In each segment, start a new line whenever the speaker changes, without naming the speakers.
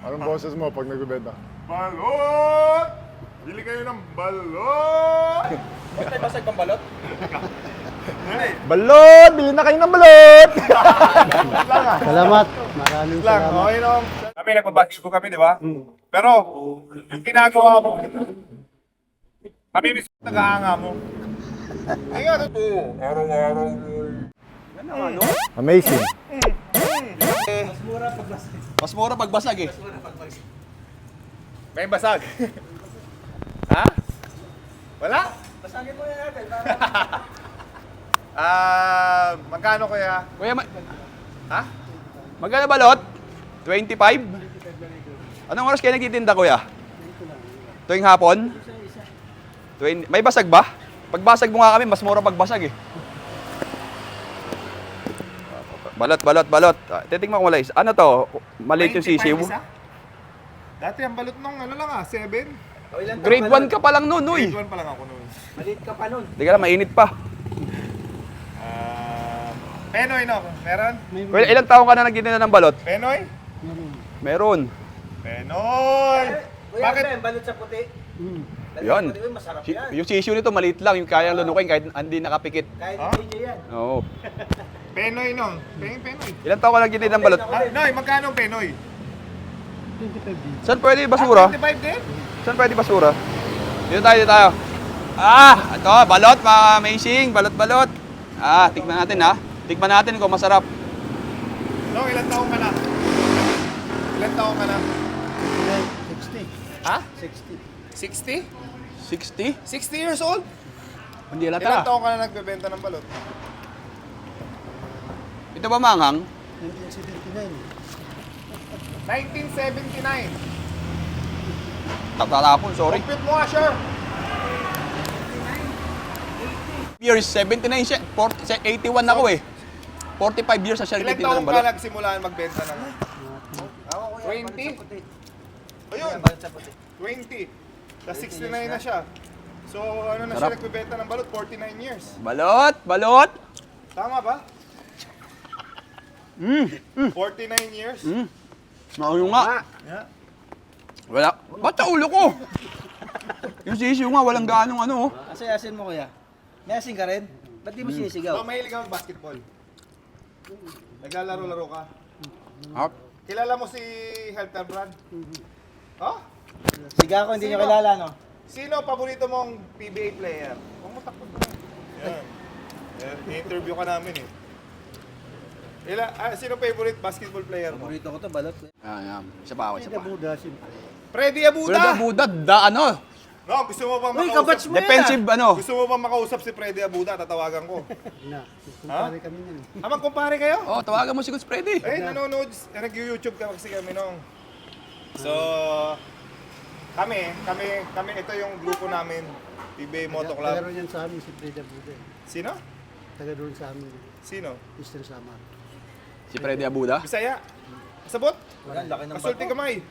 Anong boses mo pag nagbebenta?
Balot! Bili kayo ng balot!
Ba't may basag pang balot?
Balot! Bili na kayo ng balot!
Salamat. Maraming
Lang,
salamat.
okay nung. Kami nagbabasketball kami, di ba? Pero, yung ginagawa mo, kami mismo nag-aanga mo. Ay nga, totoo. Araw-araw mo.
Amazing.
Mas mura pag basag eh.
May basag. Ha? Wala?
Basagin mo yan natin.
Magkano kuya?
Kuya,
Ha?
magkano balot? 25? Anong oras kayo nagtitinda, kuya? Tuwing hapon? May basag ba? Pagbasag mo nga kami, mas mura pagbasag eh. Balot. Titingnan ko malay. Ano to? Maliit yung
25
sisiw.
isa? Dati ang balot nung ano lang 7.
Grade 1 ka pa lang nun, uy.
Grade 1 pa lang ako noon.
Hindi ka lang, mainit pa.
Penoy no? Meron?
Kuya, ilang taong ka na nagtitinda ng balot?
Penoy?
Meron.
Penoy! Bakit?
balot sa puti.
Yan.
Puti, masarap yan.
Yung sisiw nito maliit lang, yung kayang lunukin kahit hindi nakapikit.
Kahit
Ha?
hindi yan.
Oo.
Penoy no? Penoy.
Ilang taong ka nagtitinda ng balot?
Noy, magkano ang Penoy?
25 din.
Saan pwede basura?
25 din?
Saan pwede basura? Dito tayo. Ah, ito, balot, amazing, balot. Ah, tikman natin ha. Tikman natin kung masarap.
No, ilang taong ka na? Ilang taong ka na?
60.
Ha?
60.
60?
60?
60 years old?
Hindi
Ilang
halata.
taong ka na nagbebenta ng balot?
Ito ba manghang?
1979.
1979.
Tatatapon, sorry.
Compute mo nga, sure.
Years, 79 siya. 81 ako eh. 45 years na siya
Ilang
nagtitinda
taong
ng
ka
balot.
nagsimulaan magbenta ng 20? Ayun,
Balot sa puti.
20. Tapos 69 na siya. So, ano na siya
Sarap.
nagbebenta ng balot? 49 years.
Balot.
Tama ba? 49 years?
Nauyo nga.
Yeah.
Wala. Ba't sa ulo ko? Yung sisiyo nga, walang ganong ano. Oh.
Asin mo kuya. May asin ka rin? Ba't di mo
So,
sinisigaw?
mahilig ka mag-basketball? Naglalaro-laro ka?
Ah,
Kilala mo si Helter Brand? Oh?
Siga ko, hindi nyo kilala no?
Sino paborito mong PBA player? Huwag mo takot na. Yan. I-interview ka namin eh. Sino favorite basketball player mo?
Paborito ko to, balot.
yan. Isa pa ako, isa
Hindi
pa.
Buda, siyempre.
Freddy Abuda!
Pero Buda, ano?
No, gusto mo bang
Uy,
makausap?
kabats mo
Defensive, ano?
Gusto mo bang makausap si Freddy Abuda? Tatawagan ko.
Na. Kumpare kami niyan.
Magkumpare kayo?
Oh, tawagan mo si Coach Freddy.
Eh, nanonood, nag-YouTube ka kasi kami nung. So, kami, ito yung grupo namin, PBA Moto
Taga
Club.
ron yan sa amin si Freda Buda.
Sino?
Taga doon sa amin.
Sino?
Eastern Samar.
Si Freddy Abuda.
Bisaya? Sabot?
Wala, laki ng
Pasulti
bato.
kamay.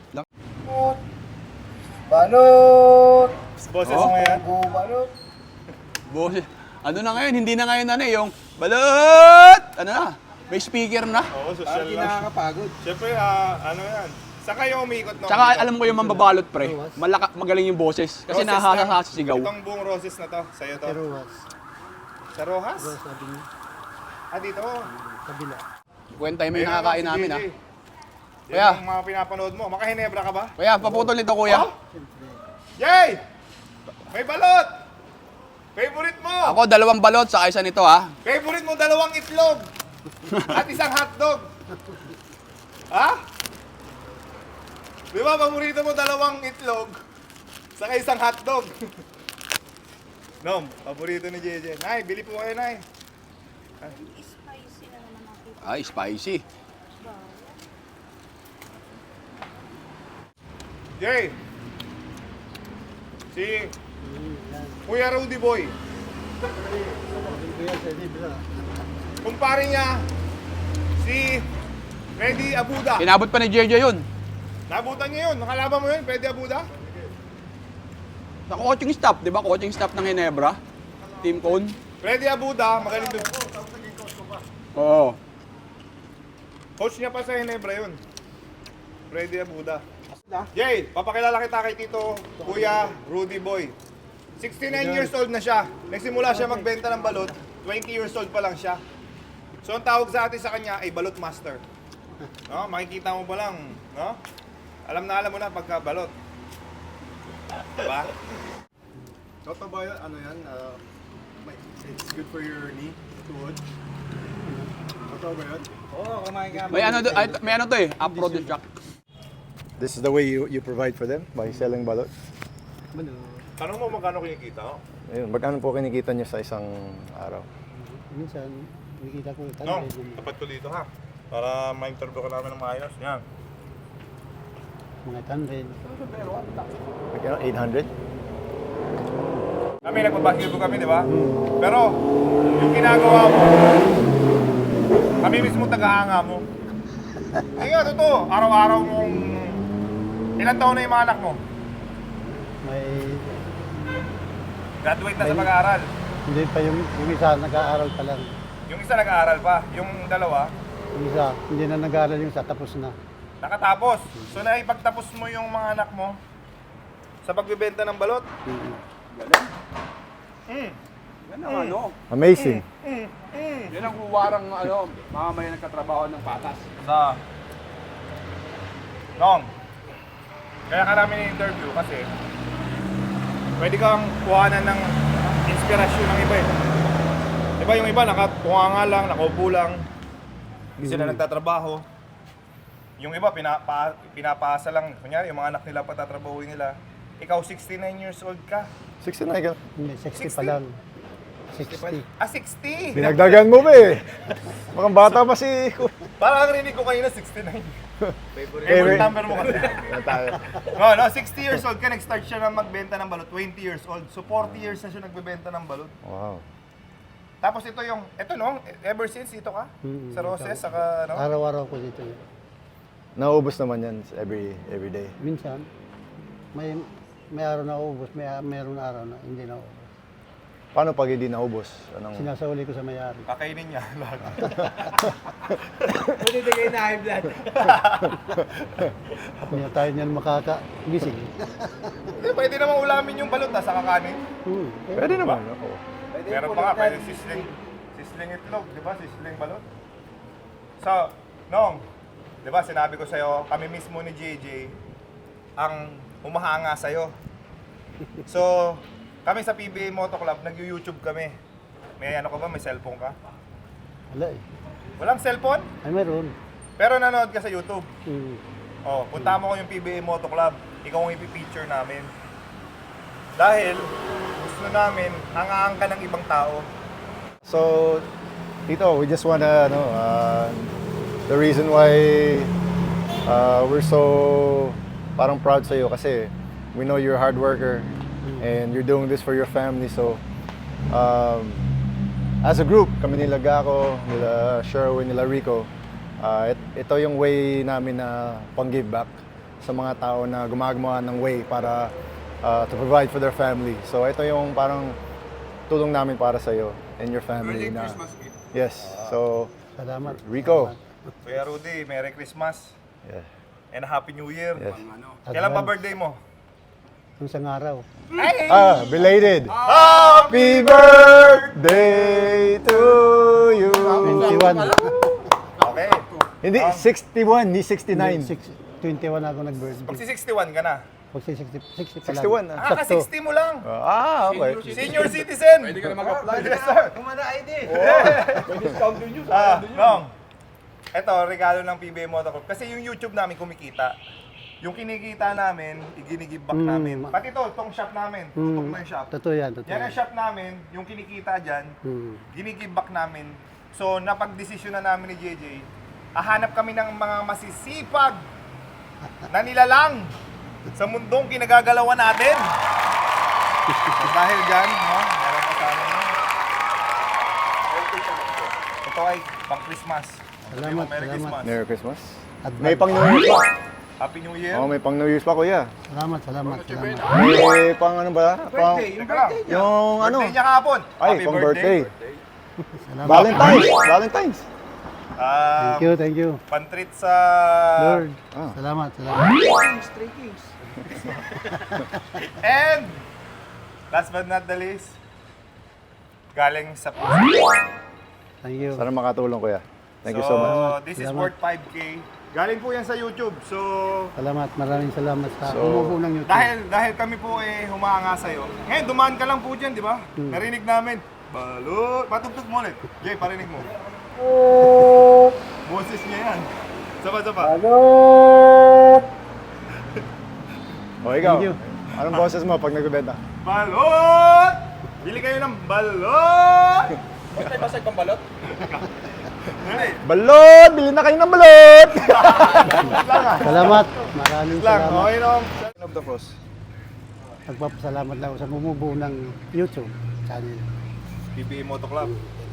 Balot!
Boses
Oh.
mo yan?
Balot!
Boss, ano na ngayon? Hindi na ngayon ano yung balot! Ano na? May speaker na.
Oo, social
Parang di
lang.
nakakapagod.
Siyempre, ano yan? Saan kayo umikot no?
Tsaka alam ko yung mambabalot pre. Magaling yung boses. Kasi
Roses
nahasa
na.
sa sigaw.
Itong buong roses na to, sa'yo to.
Pero was.
Sa Rojas?
Sabi niya.
Dito.
Kabila.
Kwenta mo yung
Ayun,
nakakain
si
namin
JJ.
ha.
Yan
Kuya.
yung mga pinapanood mo. Makahinebra ka ba?
Kuya, paputol nito kuya.
Oh? Yay! May balot! Favorite mo!
Ako 2 balot sa isa nito ha.
Favorite mo 2 itlog! At isang hotdog! Ha? Di ba, paborito mo 2 itlog? Saka isang hotdog. Nom, paborito ni JJ. Nay, bili po kayo, Nay.
Spicy na naman ako.
Ay, spicy.
Jay! Si Kuya Rudy Boy.
Sabi ko yan sa Libra.
Kumpare niya si Freddy Abuda.
Inabot pa ni JJ yun.
Nabutan niya yun. Nakalaban mo yun, Freddy Abuda?
Sa coaching staff, di ba? Coaching staff ng Ginebra. Team Cone.
Freddy Abuda, magaling doon.
Oo.
Coach niya pa sa Ginebra yun. Freddy Abuda. Jay, papakilala kita kay Tito Kuya Rudy Boy. 69 years old na siya. Nagsimula siya magbenta ng balot, 20 years old pa lang siya. So ang tawag sa atin sa kanya ay balot master. No, makikita mo pa lang, no? Alam mo na pagka balot. Diba?
Totoo ba yun? Ano yan? It's good for your knee, tuhod. Totoo ba yun?
Oo, kumain ka.
May ano to eh, upload the track.
This is the way you provide for them by selling balot?
Ano,
Tanong mo magkano kinikita, oh?
Ayun, magkano po kinikita niyo sa isang araw?
minsan, nakikita ko
No, tapat ko dito ha. Para ma-interview ka namin ng maayos. Yan.
mga 100.
Magkano? 800?
Kami, nagbabasketball kami, di ba? Pero, yung ginagawa mo, kami mismo tagahanga mo. Hindi nga, totoo. Araw-araw mong... Ilan taon na yung mga anak mo?
May,
Graduate na sa pag-aaral.
hindi pa yung isa nag-aaral pa lang.
Yung isa nag-aaral pa. Yung dalawa,
Yung isa, hindi na nag-aaral yung isa, tapos na.
nakatapos. So, naipagtapos mo yung mga anak mo sa pagbibenta ng balot.
Yan ang ano.
Amazing.
Yan ang huwarang ano, mga may nagkatrabaho ng patas.
Sa... Nong, kaya ka namin in-interview kasi pwede kang kuhanan ng inspirasyon ng iba eh. Diba yung iba nakatunga nga lang, nakaupo lang, hindi sila nagtatrabaho. Yung iba pinapasa lang, kunyari yung mga anak nila patatrabahuin nila. Ikaw 69 years old ka.
69 ka.
Hindi, 60 pa
60?
lang. 60.
Ah, 60!
Dinagdagan mo ba eh. Mukhang bata pa si...
Parang ang rinig ko kanina 69. Favorite number mo kasi.
Yan tayo.
No, 60 years old ka, nag-start siya na magbenta ng balot, 20 years old. So 40 years na siya nagbebenta ng balot.
Wow.
Tapos ito no, ever since dito ka? Sa Roses, saka no?
Araw-araw ko dito.
Nauubos naman yan every day.
Minsan, may araw na ubos, mayroon na araw na hindi na ubos.
Paano pag hindi naubos? Anong...
Sinasauli ko sa may-ari.
Kakainin niya lahat.
Pwede din kayo na high blood.
Hindi na tayo niyan makakagising.
Pwede naman ulamin yung balot sa kakanin.
Pwede naman. Oo.
Meron pa nga, pwede sisling itlog, di ba? Sisling balot. So, Nong, di ba sinabi ko sa'yo, kami mismo ni JJ ang humahanga sa'yo. So, kami sa PBA Moto Club, nag-YouTube kami. May ano ka ba? May cellphone ka?
Wala eh.
Walang cellphone?
Ay, meron.
Pero nanood ka sa YouTube.
Mm.
Oh, punta mo ko yung PBA Moto Club. Ikaw ang ipipicture namin. Dahil gusto namin hangaan ka ng ibang tao.
So, Tito, we just wanna, the reason why we're so parang proud sa'yo kasi we know you're a hard worker and you're doing this for your family. So, as a group, kami nila Gako, nila Sherwin, nila Rico, ito yung way namin na pang-give back sa mga tao na gumagawa ng way para to provide for their family. So, ito yung parang tulong namin para sa'yo and your family.
Merry
Na,
Christmas gift.
yes. So,
Salamat.
Rico.
Kuya Rudy, Merry Christmas
Yeah.
and Happy New Year.
Yes.
Kailan pa birthday mo?
Kung isang araw.
Belated. Happy birthday to you.
21.
Okay.
Hindi, 61, ni 69.
21 ako nag-birthday.
Pag si 61 ka na.
Pag 60 pa lang.
61
Ah, ka 60 mo lang.
Okay.
Senior citizen.
Pwede ka na mag-apply.
Yes, sir.
Kumana ID.
Nong. Ito, regalo ng PBA Moto Club. Kasi yung YouTube namin kumikita. Yung kinikita namin, iginigib back namin. Pati to, itong shop namin. Tutok na yung shop.
Totoo yan, totoo
Yan
yan.
ang shop namin, yung kinikita dyan, ginigib back namin. So, napag-desisyon na namin ni JJ, hahanap kami ng mga masisipag na nilalang sa mundong kinagagalawan natin. Dahil dyan, no, meron pa sa amin. Ito ay pang Christmas.
Salamat,
Merry
salamat.
Christmas.
Merry Christmas.
Advance.
May pang New Year's pa.
Happy New Year.
Oh, may pang New Year's pa, kuya.
Salamat, salamat.
May pang ano ba? Pang,
Teka lang.
yung ano?
Birthday niya kahapon.
Ay,
Happy
pang birthday.
Salamat.
Valentine's. Valentine's.
Thank you.
Pantreat sa...
Lord,
Ah.
salamat.
And last but not the least, galing sa puso.
Thank you.
Sana makatulong, kuya. Thank you so much.
This is
Salamat.
worth 5K. Galing po yan sa YouTube. So,
Maraming salamat sa
So,
umupo ng YouTube.
dahil kami po humanga sa'yo. Ngayon, dumaan ka lang po dyan, di ba? Narinig namin. Balot. Patugtog mo ulit. Jay, parinig mo. Boses niya yan. Sapa.
O, ikaw.
Thank you.
Anong boses mo pag nagbebenta?
Balot! Bili kayo ng balot!
Ba't may basag pang balot?
Dali.
Balot! Bili na kayo ng balot!
Salamat. Maraming
Lang,
salamat.
okay no?
Of the cross.
Nagpapasalamat lang ako sa bumubuo ng YouTube channel.
PBA Moto Club.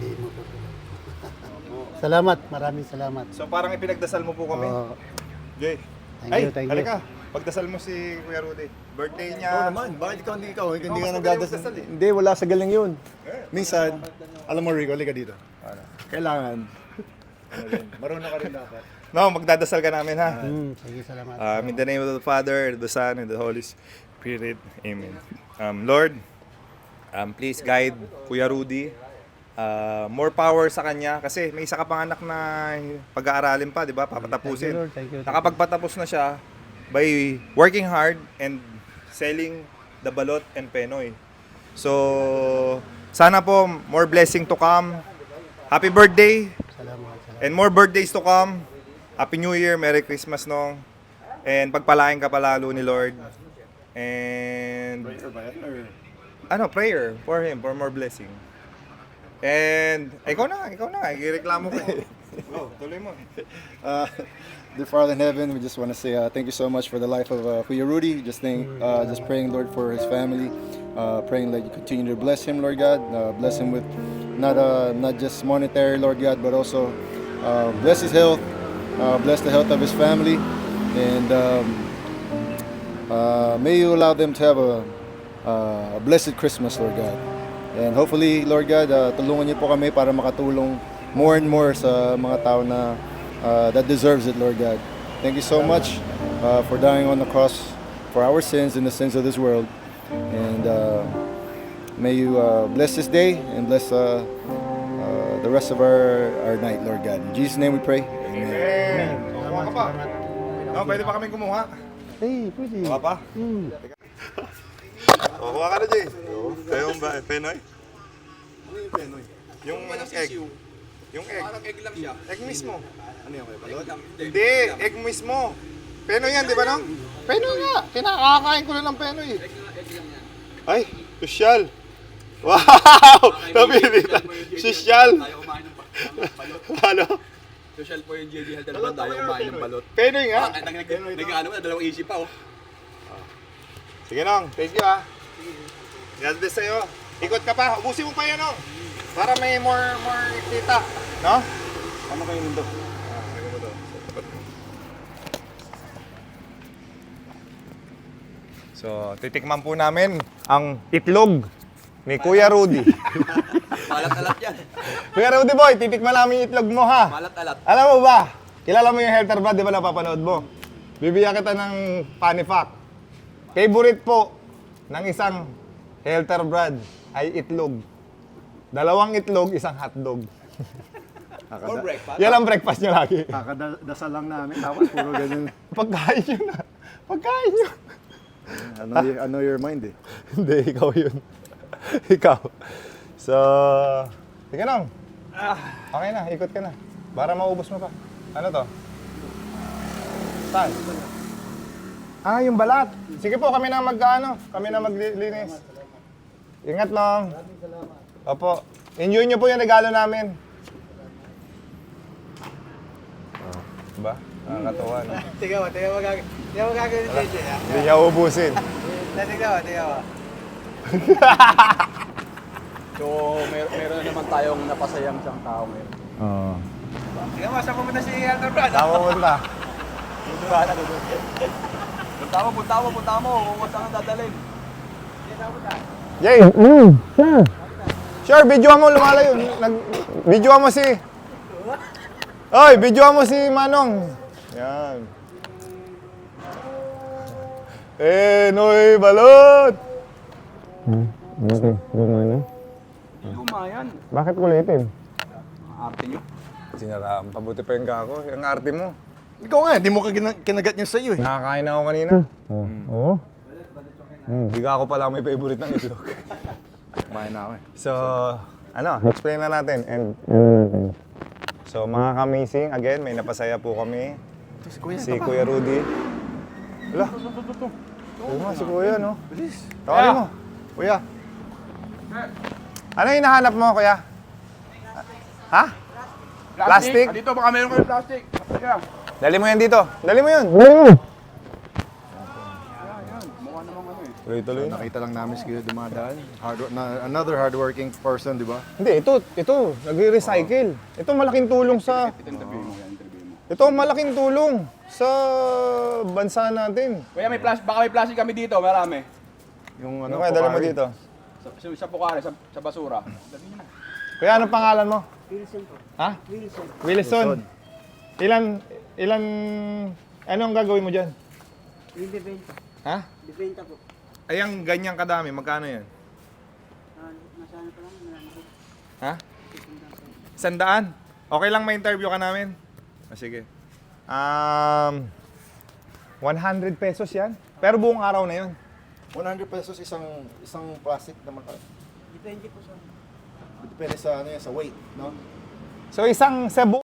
Salamat. Maraming salamat.
So parang ipinagdasal mo po kami.
Oo.
Jay.
Thank you.
halika. Pagdasal mo si Kuya Rudy. Birthday niya.
Oo naman, bakit hindi ka
Mas
nagdadasal?
magdadasal eh.
Hindi, wala sa galing yun. Minsan, alam mo Rico, halika dito. Kailangan. Marunong ka rin dapat.
No, magdadasal ka namin ha.
Sige, salamat.
In the name of the Father, and the Son, and the Holy Spirit. Amen. Lord, please guide Kuya Rudy. More power sa kanya kasi may isa ka pang anak na pag-aaralin pa, di ba? Papatapusin.
Thank you, Lord. Thank you.
Nakapagpatapos na siya by working hard and selling the balot and penoy. So, sana po more blessing to come. Happy birthday
Salamat.
and more birthdays to come. Happy New Year, Merry Christmas nong. And pagpalain ka palalo ni Lord. And prayer for him, for more blessing. And ikaw na, ireklamo ko. Go, tuloy mo.
Dear Father in heaven, we just want to say thank you so much for the life of Kuya Rudy. Just praying, Lord, for his family. Praying that you continue to bless him, Lord God. Bless him with not just monetary, Lord God, but also bless his health. Bless the health of his family. And may you allow them to have a blessed Christmas, Lord God. And hopefully, Lord God, tulungan niyo po kami para makatulong more and more sa mga tao na that deserves it, Lord God. Thank you so much for dying on the cross for our sins and the sins of this world. And may you bless this day and bless the rest of our night, Lord God. In Jesus' name we pray. Amen.
Amen. Kumuha ka pa. No, pwede pa kami kumuha.
Pwede.
Kumuha pa. Kuha ka na, Jay. Kayong ba, penoy? Ano yung penoy? Yung egg. Yung egg.
Parang egg lang siya.
Egg mismo.
Ano yung may balot?
Hindi, egg mismo. Penoy yan, di ba no? Penoy nga. Kinakakain ko na ng penoy.
Egg lang yan.
Ay, sosyal. Wow! Napilita. Sosyal.
Tayo kumain ng balot.
Ano?
Social po yung JD Health and Brand. Tayo kumain ng balot.
Penoy nga.
Nag-ano na, dalawang isip pa oh.
Sige nong, thank you ah. God bless sa'yo. Ikot ka pa, ubusin mo pa yan nong. Para may more kita. No? Ano kayo nito? So, titikman po namin ang itlog ni Kuya Rudy.
Malat-alat yan.
Kuya Rudy boy, titikman namin yung itlog mo ha.
Malat-alat.
Alam mo ba, kilala mo yung Helter Brad, di ba napapanood mo? Bibigyan kita ng funny fact. Favorite po ng isang Helter Brad ay itlog. 2 itlog, isang hotdog.
For breakfast.
Yan ang breakfast niya lagi.
Kakadasal lang namin, tapos puro ganun.
Pagkain yun na. Pagkain yun.
Ano your mind eh.
Hindi, ikaw yun. Ikaw. So, sige nang. Okay na, ikot ka na. Para maubos mo pa. Ano to? Saan? Yung balat. Sige po, kami na kami na maglinis. Ingat lang. Opo. Enjoy nyo po yung regalo namin. Diba? Nakakatawa, no?
Tingnan mo gagawin ni JJ ha.
Hindi niya ubusin.
Tingnan mo.
So, meron na naman tayong napasayang isang tao ngayon.
Oo.
Tingnan mo, saan pumunta si Helter Brad?
Tama punta.
Punta mo. Kung saan ang dadalhin.
Jay! Sure, videoan mo lumalayo. Videoan mo si...
Oy, videoan mo si Manong. Yan. Noy Balot!
Okay, gumana.
Lumayan.
Bakit kulitin?
Arte nyo.
Sinaraan, pabuti pa yung gako. Yung arte mo. Ikaw nga, di mo kinagat niya sa'yo eh. Nakakain ako kanina.
Oo.
Di ka ako pala may favorite ng itlog. Kumain na ako eh. So, explain na natin. And so, mga kamising, again, may napasaya po kami. Si Kuya Rudy. Wala. Oo nga, si Kuya, no? Bilis. Tawagin mo. Kuya. Ano yung hinahanap mo, Kuya? Ha? Plastic?
Dito, baka meron kayo plastic.
Dali mo yan dito. Dali mo yun. Tuloy-tuloy na. Nakita lang namin si Kuya dumadaan. Another hardworking person, di ba? Hindi, ito. Nagre-recycle. Ito malaking tulong sa... Ito malaking tulong sa bansa natin.
Kuya, baka may plastic kami dito, marami.
Yung ano kaya dala mo dito?
Sa Pukari, sa basura.
Kuya, anong pangalan mo?
Wilson po.
Ha? Wilson. Anong gagawin mo dyan?
Yung bibenta.
Ha?
Bibenta po.
Ay, ang ganyang kadami, magkano yan?
Masana pa lang, marami po.
Ha? 100? Okay lang may interview ka namin? Sige.
100 pesos yan. Pero buong araw na yun.
100 pesos isang plastic naman.
Depende po sa...
Depende sa ano yan, sa weight, no?
So isang Cebu